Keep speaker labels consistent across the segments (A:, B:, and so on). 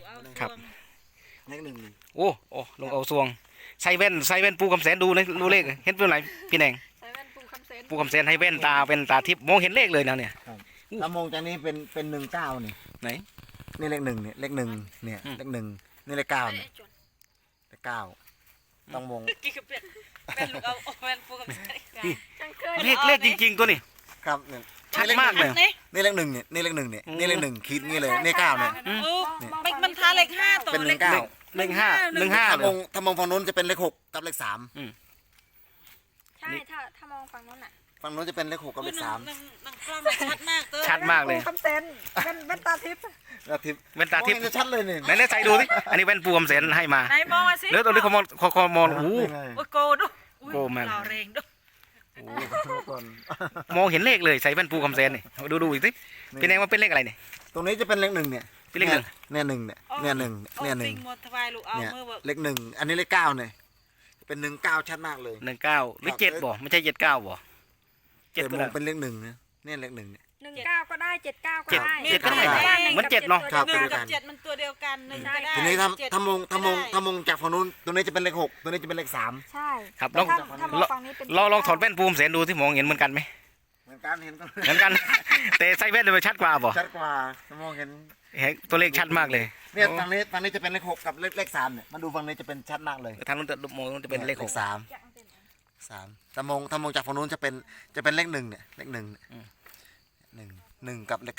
A: ครับ
B: เลขหนึ่ง
A: โอ้ลงเอาซวงใส่แว่นปูคำแสนดูนะดูเลขเห็นเป็นไรพี่แดง
C: ใส่แว่นปูคำเซน
A: ปูคำแสนให้แว่นตาทิพย์มองเห็นเลขเลยนะเนี่ย
B: ถ้ามองจากนี้เป็น19นี่
A: ไหน
B: นี่เลขหนึ่งเนี่ยเลขหนึ่งเนี่ยเลขหนึ่งนี่เลข9เนี่ยเลข9ต้องมอง
C: กี่กระเปียกเป็นลูกเอาแว่นปูคำเซนจังเคย
A: เลขจริงๆตัวนี้
B: ครับเนี่ย
A: ชัดมากเลย
B: นี่เลขหนึ่งเนี่ยนี่เลขหนึ่งเนี่ยนี่เลขหนึ่งคิดงี้เลยนี่9เนี่ย
C: มันทาเลขห้าตัว
B: เป็น
C: เลข
B: 19
A: เลขห้า
B: ถ้ามองฝั่งนู้นจะเป็นเลข6กับเลข3
C: ใช่ถ้ามองฝั่งนู้นอ่ะ
B: ฝั่งนู้นจะเป็นเลข6กับเลข3
C: นั่งกล้องชัดมากเต้
A: ชัดมากเลย
C: คำเซนเป็นตาทิพย์
B: แล้วทิพย์
A: แว่นตาทิพย์
B: จะชัดเลยนี่
A: ไหนใส่ดูสิอันนี้แว่นปูคำแสนให้มา
C: ไหนมองมาสิ
A: แล้วตัวนี้เขามองโอ้
C: โอ้โกดู
A: โกมัน
C: เราเร่งดู
B: โอ้ก่อน
A: มองเห็นเลขเลยใส่แว่นปูคำแสนนี่ดูอีกสิพี่แดงว่าเป็นเลขอะไรเนี่ย
B: ตรงนี้จะเป็นเลข1เนี่ย
A: เป็นเลขหนึ่ง
B: เนี่ย1เนี่ยเนี่ย1เนี่ย1
C: สิ่งมดทวายลูกเอา
B: เนี่ย
C: มือแบบ
B: เลข1อันนี้เลข9เนี่ยเป็น19ชัดมากเลย
A: 19หรือ7บ่ไม่ใช่79บ่
B: แต่
A: 7
B: ม
A: ก็
B: อ
A: ได้
B: งเป็นเลข1นะเนี่ยเลข1เนี่ย
C: 19ก็ได้79ก็ได้
A: เจ็ดก็ได้มันเจ็ดเนาะ
B: ครับ
C: หนึ่งกับ7มันตัวเดียวกัน1ก็ได้
B: ทีนี้ถ้ามองจากฝั่งนู้นตัวนี้จะเป็นเลข6ตัวนี้จะเป็นเลข3
C: ใช่
A: ครับล
C: ถ้า
A: อง
C: ถ้ามองฝั่งนี้เป็น
A: ลองถอดแว่นปูคำแสนดูที่มองเห็นเหมือนกันไหม
B: เหมือนกันเห็นก็
A: เหมือนกัน แต่ใส่แว่นเลยชัดกว่าบ่
B: ชัดกว่าถ้ามองเห็น
A: เห็นตัวเลขชัดมากเลย
B: เนี่ยฝั่งนี้จะเป็นเลข6กับเลข3เนี่ยมาดูฝั่งนี้จะเป็นชัดมากเลย
A: ทางนู้นจะมองจะเป็นเลข6
B: 3ถ้ามองจากฝั่งนู้นจะเป็นเลข1เนี่ยเลข1เนี่ย1กับเลข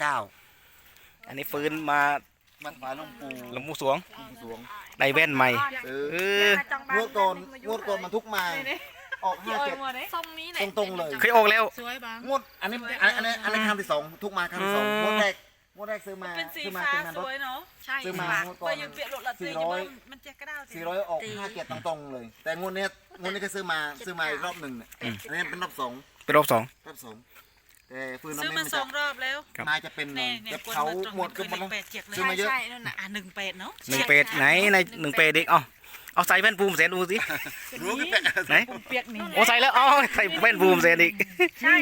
B: 9
A: อันนี้ฟื้นมา
B: มันมาลงปู
A: หลวงปู่สวง
B: สวง
A: ได้แว่นใหม่
B: เอ
A: เอ
B: อ
A: อ
B: งวดก่อนมันทุกมาออก57
C: ทรงนี้แหละ
B: ตรงๆเลย
A: เคยออกแล้ว
C: สวยบาง
B: งวดอันนี้ครั้งที่2ทุกมาครั้งที่2งวดแรกซื้อมา
C: เป็นสี
B: ซื้อมา
C: ฟ้า
B: เป็นงาน
C: ส
B: รถ
C: วยเนาะใช่
B: ซื้อมา
C: เบอร์ยังเปลี่ยนรถละตีมันเจ๊กระด้าว
B: 400ออก57ตรงๆเลย แต่งวดนี้ก็ซื้อมาอีกรอบหนึ่งเนี่ยอันนี้เป็นรอบ2
A: เป็นรอบ2
B: แต่ฟื้นน้ำ
C: ซื้อ
B: ไม่
C: มา
B: มัน
C: ส
B: จะ
C: องรอบแล้ว
B: มาจะเป็น
C: เนี่ย
B: เก็บ
C: คน
B: เขา
C: มาตรง
B: หมดก็หมดแล้ว
C: 18
B: ซื้อมาเยอะ
C: ใช่นั่นน่ะ18เนาะ
A: 1 ไหนใน1เด็กเอาใส่แว่นปูคำแสนดูสิ
B: รู้ก็เป็น
A: ไหน
C: เปียกนี่
A: โอ้ใส่แล้วเอาใส่แว่นปูคำแสนอีก
C: ใช่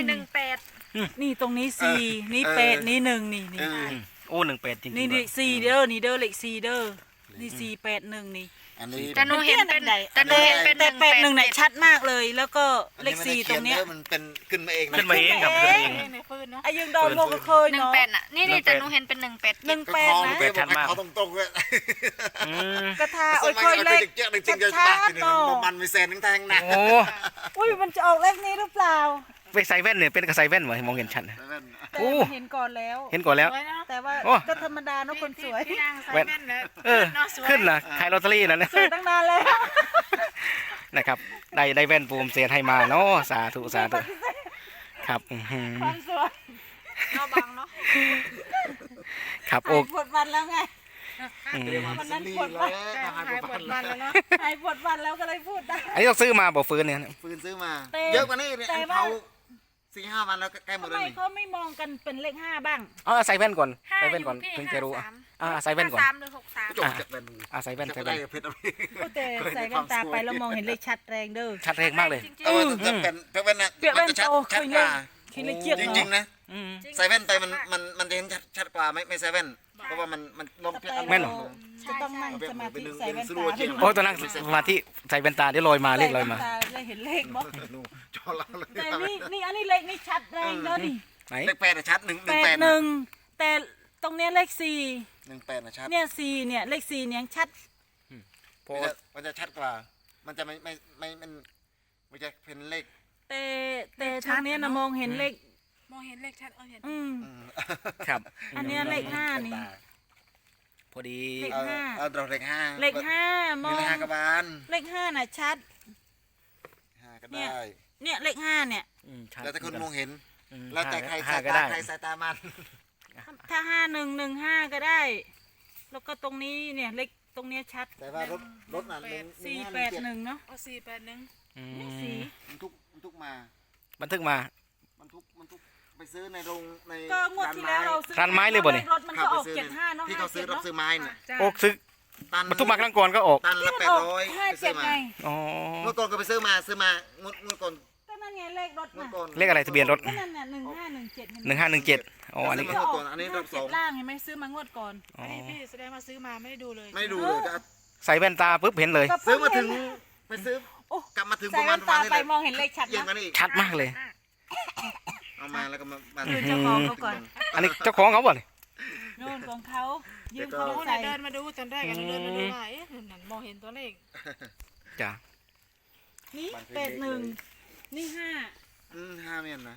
C: 18นี่ตรงนี้4นี่8นี่1นี่
B: เออ
A: โอ้1 จริงๆ
C: นี่4เด้อนี่เด้อเลข4เด้อนี่4 8 1นี่
B: อันนี้
C: แต่หนูเห็นเป็นแต่8 1เนี่ยชัดมากเลยแล้วก็เลข4ตรงเนี้ย
B: มันเป็นขึ้นมาเองนะ
A: ขึ้นมาเองครับขึ้นมาเอง
C: ไอ้ยังดอนโมก็เคย
D: หนึ่ง
C: เนาะ
D: เป็ดน่ะนี่แต่หนูเห็นเป็น18
C: 18นะ
A: เป็ดชัดมาก
B: เขาตรงๆเลย
A: อืม
C: กระทาโอ้ยเคยเลข
B: เจ๊จริงๆจะ
C: ชั
B: ปาก
C: ด
B: ทีนึง
C: เนาะ
B: มันมีแซนทั้งทางนะ
A: โอ้
C: อุ้ยมันจะออกเลขนี้หรือเปล่า
A: ไปใส่แว่นเนี่ยเป็นกับใส่แว่นเหมือนมองเห็นชัดนะ
C: แต่
A: โอ้
C: เห็นก่อนแล้ว
A: เห็นก่อนแล้ว
C: แต่ว่า
A: โอ้
C: ก็ธรรมดาเนาะคนสวย
D: พี่นางใส่
A: แว่น
D: แว่นแล้ว
A: เออขึ้นนะขายลอตเตอรี่นะเนี่ย
C: สวยตั้งนานแล้ว
A: นะครับได้แว่นปูคำแสนให้มาเนาะสาธุครับอื้อหือ
C: ความสวย
D: ก็บังเนาะ
A: ครับ
C: หา
A: โอ้
C: ยปวดวันแล้วไง
A: อืม
C: วันนั้นปวดวันหายปวดวันแล้วเนาะหายปวดวันแล้วก็เลยพูดได้
A: อันนี้ต้องซื้อมาบอกฟื้นเนี่ย
B: ฟืนซื้อมา
C: แต่
B: เยอะกว่านี้เนี่ย
C: แต่
B: อัน
C: ว่า
B: เผา4-5 วันแล้วใกล้หม
C: ทำ
B: ด
C: ไม
B: แล้วนี่
C: เขาไม่มองกันเป็นเลข5บ้าง
A: เอาใส่แว่นก่อน
D: ห้า
A: ใส่
D: อ
A: แว่นก่อน
D: ยู่พี่
A: ถึงจะรู้
D: 53
A: ใส่แว่นก่อน
D: 53หรือ63
B: จบจากแบน
A: ใส่แว่น
B: จะ
A: ใส่
B: ได้
A: แว่น
B: เพชรเอาไป
C: ก็แต่ใส่แว่นตาไปแล้วมองเห็นเลขชัดแรงเด้อ
A: ชัดแรงมากเลย
B: เออจะเป็นเพชรแว่นนะ
C: เปียกแว่น
B: มันจะชัด
C: โต
B: ชัด
C: เคย
B: ก
C: เล
B: ว่า
C: คิดเลขเจี๊ยบ
B: จริงๆ
C: เนาะ
B: นะ
A: อืม
B: ใส่แว่นไปมันจะเห็นชัดกว่าไม่ใส่แว่นเพราะว่ามันลมเปียก
A: แม่นเหรอ
C: จะต้องนั่งสมาธิใส่แว่นตา
A: โอ้ตอนนั้นสมาธิใส่แว่นตาเดี๋ยวลอยมาเลขลอยมา
C: ใส่แว่นตได้เห็นเลขบ่
B: นู่นจอเราเลย
C: แต่นี่อันนี้เลขนี่ชัดแรงเด้อนี่
A: ไหน
B: เลข8ชัด1
C: 8
B: 1
C: 1แต่ตรงเนี้ยเลข4
B: 8นะชัด
C: เนี่ย4เนี่ยเลข4เนี่ยยังชัด
A: พอ
B: มันจะชัดกว่า มันจะมันจะเป็นเลข
C: แต่ทางเนี้ยนะมองเห็นเลข
D: มองเห็นเลขชัดเห็น
A: ครับ
C: อันเนี้ยเลข5นี่
A: พอดี
C: เลข
B: เอาเราเลข5
C: เลข5มอง
B: เลข5กระบาล
C: เลข5น่ะชัด
B: 5ก็ได้
C: เนี่ยเลข5เนี่ย
A: ชัด
B: แล้วแต่คนมองเห็น
A: อืม
B: แล้วแต่ใคร
A: ห้า
B: สาย
A: ก็
B: ตา
A: ได้
B: ใครสายตามัน
C: ถ้า5115ก็ได้ แล้วก็ตรงนี้เนี่ยเลขตรงเนี้ยชัด
B: แต่ว่ารถน่ะ
C: 481เนาะ
D: เอา481
A: อืม
C: นี่สี
B: มันทุกมา
A: บันทึกมา
B: มันทุกไปซื้อในโรงใน
C: ก็งวดที่แล้วเราซื้อ
A: ร้านไม้เลยบ่เนี่ย
C: รถมัน
B: ขับ
C: ก็อ
B: ไป
C: อก
B: ซื้อ
C: 75เนาะ
B: ที่เขาซื้อรับซื้อไม้เนี่ย
A: โอ้ซื้อ
B: ตัน
A: บรรทุกมาครั้งก่อนก็ออก
B: ตันละ
C: ที่มันออก
B: 800ไปซื้อ
C: 57
B: มา
C: ไง
A: อ๋อ
B: เมื่อก่อนก็ไปซื้อมางวดก่อน
C: ก็นั่นั่นไงเลขรถ
B: เมื่อ
C: น่ะ
B: ก่อน
A: เลขอะไรทะเบียนรถ
C: ก็นั่นน่ะ1517
A: 1517อ๋ออันนี้
B: ซื้
C: ก็
B: มา
C: อ
B: ก่
C: อ
B: อน
C: ก
B: อันนี้รอบสอง
C: 57ล่างเห็นไหมซื้อมางวดก่อน
A: อ๋อ
D: อันนี้พี่แสดงว่าซื้อมาไม่ได้ดูเลย
B: ไม่ดูเลยจะ
A: ใส่แว่นตาปุ๊บเห็นเลย
C: ก็
B: ซื้อมา
C: เพิ่
B: ถึ
C: ง
B: ง
C: เห็น
B: ไปซื้อ
C: โอ้
B: กลับมาถึงป
C: ใส่
B: ระมา
C: แว่
B: ณ
C: นตาไป
B: นี้
C: มองเห็นเลขชัด
B: เย็น
C: นะ
B: กว่านี้อีก
A: ชัดมากเลย
B: เอามาแล้วก็มา
C: คือเจ้าของเขาก่อน
A: อันนี้เจ้าของเขาบ่เนี่ย
C: โน่นของเขายืม
B: เดี๋ยวก็
C: เขา
D: หนู
C: ใส่
D: เดินมาดูตอนแรกอะหนูเดินมาดูว่าเอ๊ะนั่นมองเห็นตัวเลข
A: จ้ะ
C: นี่81นี่
B: ห้าเมียนนะ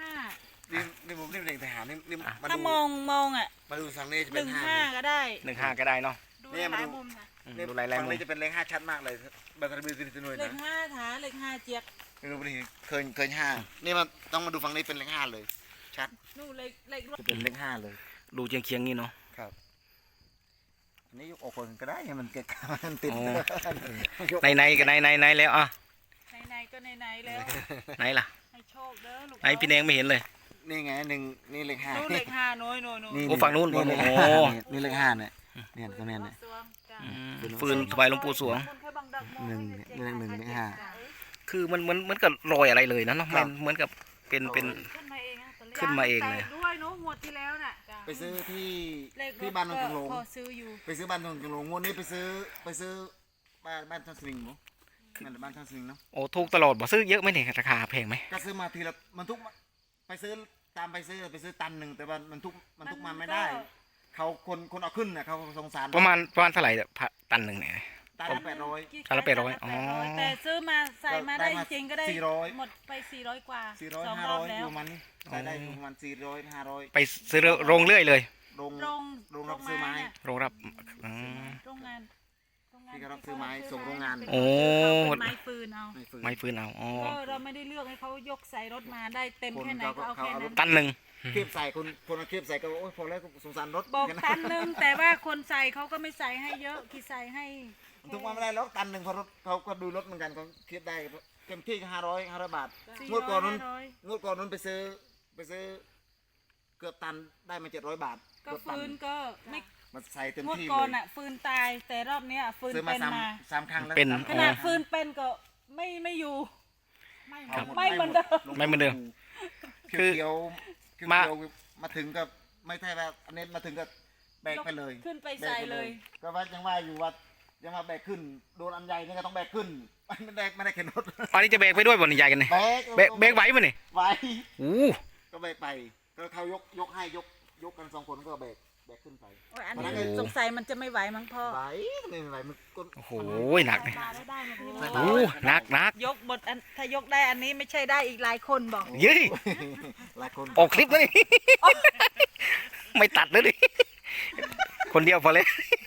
C: 5
B: นี่ผมนี่เป็นเด็กทหารนี่มา
C: ถ้า
B: ดู
C: มองอ่ะ
B: มาดูฝั่งนี้จะเป็นห้า
C: 15ก็ได้
A: 15ก็ได้เนาะ
D: ดู
B: เนี่ย
D: หลาย
B: มาดู
D: มุมค่ะ
B: นี่
A: ดูลาย
B: ฝั่ง
A: มุม
B: นี้จะเป็นเลขห้าชัดมากเลยบัตรทะเบียนสินหน่วย
C: เล
B: นะ
C: ข5ถาเลข5เจี๊ยก
B: ไม่รู้ดิเคยห้านี่มันต้องมาดูฝั่งนี้เป็นเลขห้าเลย ชัด
C: นู่นเลขรถ
B: จะเป็นเลขห้าเลย
A: ดูเคียงๆนี่เนาะ
B: ครับอันนี้ยกออกคนก็ได้ให้มันเกะกะมันติด
A: อ๋อ
B: ยก
A: ในก็ในแล้วอ่ะ
C: ในก็ในแล้ว
A: ไหนล่ะ
C: ให้โชคเด้อลูก
A: ไหนพี่แดงไม่เห็นเลย
B: นี่ไงหนึ่งนี่เลขห้า
C: นู่นเลข5น้อย
A: โอ้ฝั่งนู้น
B: เลข
A: โอ้
B: ห้า
A: โห
B: นี่เลขห้าเนี่ยเนี่ยตรงเนี้ยเนี่ย
C: สวงจ้ะ
A: ฟืนถวายหลวงปู่สวง
C: คนเคยบังดักมอง
B: หนึ่ง
C: ให้
B: เลขหนึ่งเลขห้า
A: คือมันเหมือนกับรอยอะไรเลยนะเนาะ
B: ครับ
A: เหมือนกับเป็น
D: ขึ้นมาเองนะตัวเลข
A: ขึ้นมาเองเลย
C: แตกด้วยเนาะงวดที่แล้วน่ะ
D: จ้ะ
B: ไปซื้อที่
C: เลขรถ
B: ที่บ้านนน
C: ก็
B: ทงหลง
C: พอซื้ออยู่
B: ไปซื้อบ้านนนทงหลงงวดนี้ไปซื้อบ้านท่านสลิงมั้งนั่นแหละบ้านท่านสลิงเนาะ
A: โอ้ถูกตลอดบ่ซื้อเยอะไหมเนี่ยราคาแพงไหม
B: ก็ซื้อมาทีละมันทุกไปซื้อตามไปซื้อตันหนึ่งแต่ว่ามันทุกมาไม่ได้ เขาคนเอาขึ้นน่ะเขาสงสาร
A: ประมาณเท่าไหร่เนี่ยตันหนึ่งเนี่ย
B: ตันละ800
A: ตันละ800อ๋อ
C: แต่ซื้อมาใส่มาได้
B: ได้มา
C: จริงๆก็ได้
B: 400
C: หมดไป400กว่า
B: 400
C: สองรอบแล้ว
B: 500ประมาณนี้ใส่ได้ประมาณ400 500
A: ไปซื้อโรงเรื่อยเลย
B: โรง
C: โรง
B: รับซื้อไม้
C: เนี่ย
A: โรงรับอืม
C: โรงงาน
B: ที่เขารับซื้อไม้ส่งโรงงาน
A: โอ้
C: เป็นไม้ฟืนเอา
B: ไม่ฟื้น
A: ไม้ฟืนเอาอ๋อ
C: ก็เราไม่ได้เลือกให้เขายกใส่รถมาได้เต็มแค่ไหนก็เอาแค่นั้น
A: ตันหนึ่ง
B: เทียบใส่คนเอาเทียบใส่ก็โอ้ยพอแล้วสงสารรถ
C: บอก
B: แค่
C: ตันหนึงแต่ว่าคนใส่เขาก็ไม่ใส่ให้เยอะที่ใส่ให้
B: ทุกวันไม่ได้แล้วตันหนึ่งเพราะรถเขาก็ดูรถเหมือนกันเขาเทียบได้เต็มที่ก็500 บาท งวดก่อนนั้น
C: 400
B: งวดก่อนนั้นไปซื้อเกือบตันได้มา700 บาท
C: ก็
B: เกือบตั
C: ฟืนก็ไม่
B: มันใส่เต็ม
C: งวด
B: ที่
C: ก่อน
B: เลย
C: อ่ะฟืนตายแต่รอบเนี้ยฟืน
B: ซื้อมา
C: เป็นมา
B: สามครั้งแล้ว
A: เป็น
C: ขนาดฟืนเป็นก็ไม่อยู่
D: ไม่
A: ครับ
C: ไม่เหมือนเดิม
A: ไม่เหมือนเดิม
B: คือเขียว
A: มา
B: มาถึงก็ไม่ใช่ว่าอันนี้มาถึงก็แบกไปเลย
C: ขึ้นไปใส่เลย
B: ก็ว่ายังว่าอยู่ว่ายังมาแบกขึ้นโดนอันใหญ่นี่ก็ต้องแบกขึ้นไม่ได้เข็นรถ
A: ตอนนี้จะเบรกไปด้วยบนใหญ่กันเนี่ย
B: แบก
A: เบรกไหวมั้ยนี่
B: ไหว
A: อู้
B: ก็แบกไปก็เขายกให้ยกกัน2 คนก็แบกขึ้นไป
C: โอ้ยอันนี้สงสัยมันจะไม่ไหวมั้งพ่อ
B: ไหวไม่ไหวมันก้น
A: โอ้โหหนักเนี่ย
C: มาได้มาพี่
A: โอ้หนัก
C: ยกบทอันถ้ายกได้อันนี้ไม่ใช่ได้อีกหลายคนบอก
A: เย้ย
B: หลายคน
A: ออกคลิปแล้วนี่ ไม่ตัดเลยดิคนเดียวพอเลย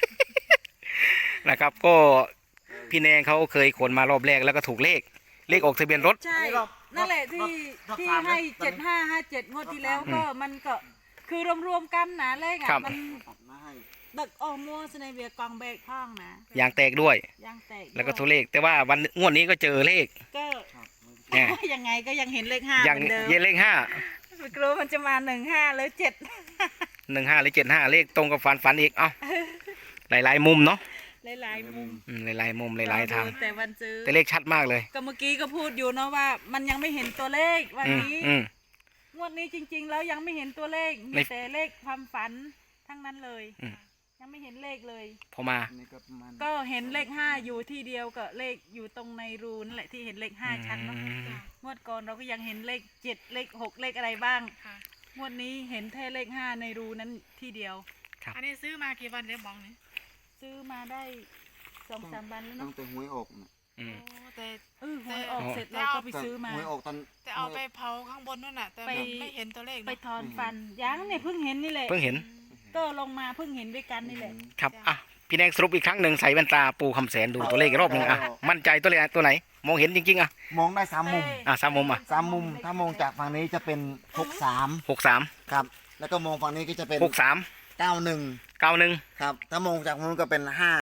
A: นะครับ ก็พี่แนงเขาเคยขนมารอบแรกแล้วก็ถูกเลขออกทะเบียนรถ
C: ใช่นั่นแหละที่ให้7557งวดที่แล้วก็มันก็คือรวมๆกันนะเลข
A: ครั
C: อ่ะ
A: บ
C: มัน
B: ตัดมาให้
C: ดักออกมัวสในเบียกองเบรกพ้องนะ
A: ยางแตกด้วย
C: ยางแตก
A: แล้วก็ถูกเลข แต่ว่าวันงวดนี้ก็เจอเลข
C: ก็
B: ครับ
A: แหม่
C: ยังไงก็ยังเห็นเลขห้า
A: ยัง
C: เหมือนเดิม
A: เย็นเลข5
C: ไม่รู้มันจะมา15หรือ7
A: 15หรือ75เลขตรงกับฝันอีกเอ้าหลายมุมเนาะ
C: หลายๆมุม
A: หลายมุมหลายทาง
C: แต่วันซื้อ
A: แต่เลขชัดมากเลย
C: ก็เมื่อกี้ก็พูดอยู่เนาะว่า มันยังไม่เห็นตัวเลขวัน
A: อืม
C: นี้
A: อืม
C: งวดนี้จริง ๆ แล้วยังไม่เห็นตัวเลข
A: ใน
C: มีแต่เลขความฝันทั้งนั้นเลย
A: อืม
C: ยังไม่เห็นเลขเลย
A: พอมา
B: อันนี้ก็ประมาณ
C: ก็เห็นเลข5อยู่ที่เดียวกับเลขอยู่ตรงในรูนั่นแหละที่เห็นเลข5ชัดเนาะ
A: อืม
C: งวดก่อนเราก็ยังเห็นเลข7เลข6เลขอะไรบ้าง
D: ค่ะ
C: งวดนี้เห็นแค่เลข5ในรูนั้นที่เดียว
D: อันนี้ซื้อมากี่วันเดี๋ยวบอกนี่
C: ซื้อมาได้2-3 วันแล้ว
B: ตั้
C: เนาะ
B: งแต่หวยออกน่ะ
A: อืม
D: โอ้แต่
C: หวยออกเสร็จเราก็ไปซื้อมา
B: หวยออกตอน
D: แต่เอาไปเผาข้างบนนู่นน่ะ แต่
C: ไป
D: ไม่เห็นตัวเลข
C: ไป
D: เนาะ
C: ถอนฟันยังเนี่ยเพิ่งเห็นนี่แหละ
A: เพิ่งเห็น
C: ก็ลงมาเพิ่งเห็นด้วยกันนี่แหละ
A: ครับอ่ะพี่แดงสรุปอีกครั้งหนึ่งใส่แว่นตาปูคำแสนดูตัวเลขอีกรอบหนึ่งอ่ะมั่นใจตัวเลขตัวไหน มองเห็นจริงๆอ่ะ
B: มองได้3 มุม
A: 3 มุมอ่ะ
B: 3 มุม ถ้ามองจากฝั่งนี้จะเป็น63
A: 63
B: ครับ แล้วก็มองฝั่งนี้ก็จะเป็น
A: 63
B: 91
A: 91
B: ครับ ถ้ามองจากนู้นก็เป็น5